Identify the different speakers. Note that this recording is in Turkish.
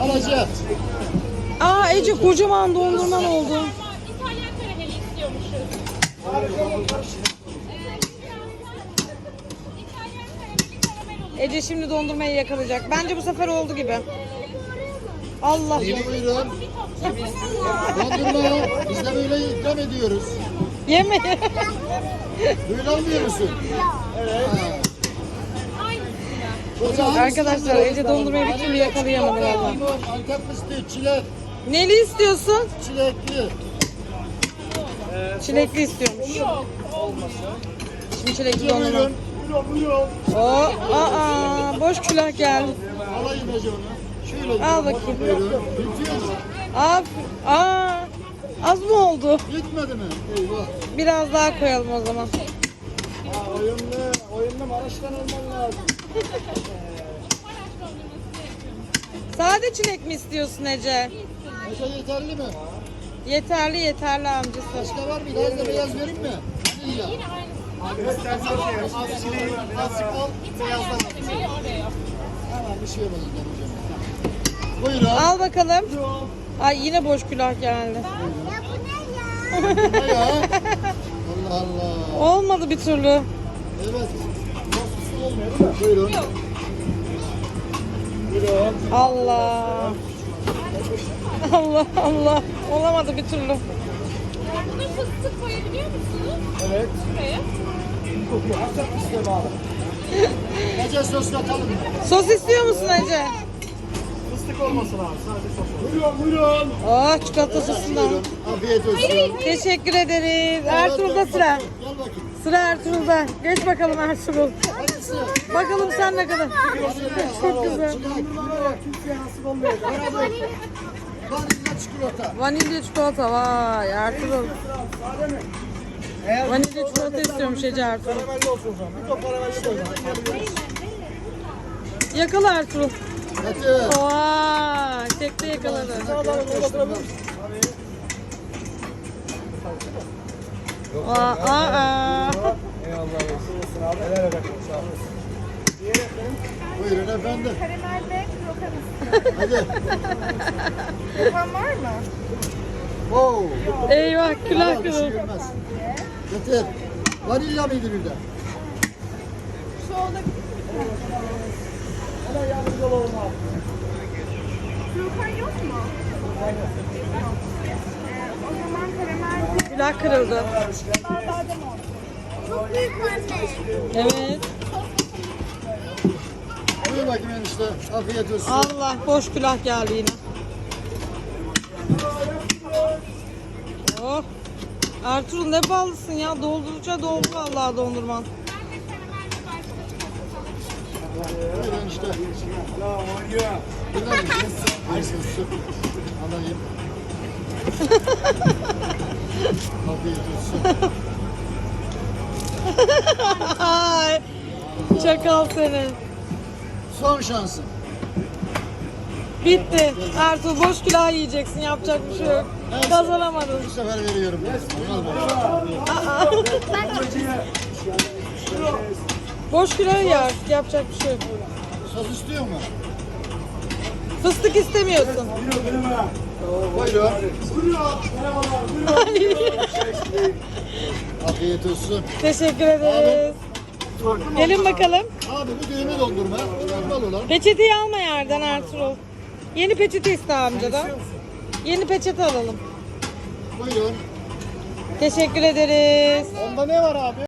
Speaker 1: alacağız.
Speaker 2: Aa Ece kocaman dondurman oldu.
Speaker 3: İtalyan karameli istiyormuşuz. İtalyan karameli karamel olur.
Speaker 2: Ece şimdi dondurmayı yakalayacak. Bence bu sefer oldu gibi. Allah.
Speaker 1: Yine buyurun. Dondurma. Biz de böyle ikram ediyoruz.
Speaker 2: Yeme.
Speaker 1: Böyle almıyor musun? Evet.
Speaker 2: Arkadaşlar Ece dondurmayı bir türlü yakalayamadı valla.
Speaker 1: Antep fıstığı, çilek,
Speaker 2: Neli istiyorsun?
Speaker 1: çilekli.
Speaker 2: Çilekli istiyormuş. Şimdi çilekli dondurma.
Speaker 1: Buyurun. Buyurun.
Speaker 2: Aa boş külah geldi.
Speaker 1: Alayım Ece onu. Şöyle.
Speaker 2: Al bakayım.
Speaker 1: Buyurun. Bitiyor mu?
Speaker 2: Az mı oldu?
Speaker 1: Bitmedi mi? Eyvah.
Speaker 2: Biraz daha koyalım o zaman.
Speaker 1: Oyunlu Maraş'tan olman lazım.
Speaker 2: Sade çilek mi istiyorsun Ece?
Speaker 1: Ece yeterli mi?
Speaker 2: Yeterli amcası.
Speaker 1: Başka var mı? Biraz da beyaz vereyim mi? İyi ya. Az çileği azıcık al. Beyazdan al. Hemen bir şey yapalım. Buyurun.
Speaker 2: Al bakalım. Ay yine boş külah geldi.
Speaker 1: Ne ya? Allah Allah.
Speaker 2: Olmadı bir türlü.
Speaker 1: Evet. Nasıl olmuyor değil mi? Buyurun. Buyurun.
Speaker 2: Allah. Allah. Olamadı bir türlü.
Speaker 3: Buna fıstık koyabiliyor musunuz?
Speaker 1: Evet.
Speaker 3: Şuraya.
Speaker 1: Ece sos katalım mı?
Speaker 2: Sos istiyor musun Ece?
Speaker 1: Fıstık olmasın abi. Sadece sos. Buyurun.
Speaker 2: Oh çikolata sosundan.
Speaker 1: Buyurun. Afiyet olsun.
Speaker 2: Teşekkür ederiz. Ertuğrul'da sıra.
Speaker 1: Gel bakayım.
Speaker 2: Sıra Ertuğrul'da. Geç bakalım Ertuğrul.
Speaker 1: Hangisi?
Speaker 2: Bakalım sen ne kadar. Çok güzel.
Speaker 1: Türkiye nasıl olmuyor? Vanilya çikolata.
Speaker 2: Vanilya çikolata vay Ertuğrul. Vanilya çikolata istiyormuş Ece Ertuğrul.
Speaker 1: Karamelli olsun o zaman. Bir top karamelli koy.
Speaker 2: Yakala Ertuğrul.
Speaker 1: Hadi.
Speaker 2: Vay tekte yakaladı. Aa.
Speaker 1: Buyurun efendim.
Speaker 3: Karamel ve krokanız.
Speaker 1: Hadi.
Speaker 3: Krokan var mı?
Speaker 1: Wow.
Speaker 2: Eyvah külah
Speaker 1: Bir şey
Speaker 2: kırıldı.
Speaker 1: bilmez. Getir. Vanilya mıydı bir de?
Speaker 3: Şu olabilir mi?
Speaker 1: Hemen yardımcı olalım abi.
Speaker 3: Krokan yok mu? O zaman karamel ve
Speaker 2: Külah kırıldı.
Speaker 3: badem olsun. Çok büyük anne.
Speaker 2: Evet.
Speaker 1: Buyur bakayım enişte. Afiyet olsun.
Speaker 2: Allah boş külah geldi yine. Oh. Ertuğrul ne ballısın ya. Doldurunca doldu vallahi dondurman.
Speaker 1: Buyur enişte. Dinler misin? Afiyet olsun. Alayım. Afiyet olsun.
Speaker 2: Ay, çakal seni.
Speaker 1: Son şansın.
Speaker 2: Bitti. Ertuğrul boş külah yiyeceksin. Yapacak bir şey yok. Kazanamadın.
Speaker 1: Bu sefer veriyorum. Al bakayım.
Speaker 2: Boş külah yer. Yapacak bir şey yok.
Speaker 1: Sos istiyor mu?
Speaker 2: Fıstık istemiyorsun.
Speaker 1: Buyurun.
Speaker 2: Ay,
Speaker 1: Afiyet olsun.
Speaker 2: teşekkür ederiz. Gelin bakalım.
Speaker 1: Abi bu düğme dondurma. Normal olan.
Speaker 2: Peçeteyi alma yerden Ertuğrul. Yeni peçete iste amcadan. Yeni peçete alalım.
Speaker 1: Buyurun.
Speaker 2: Teşekkür ederiz.
Speaker 1: Onda ne var abi?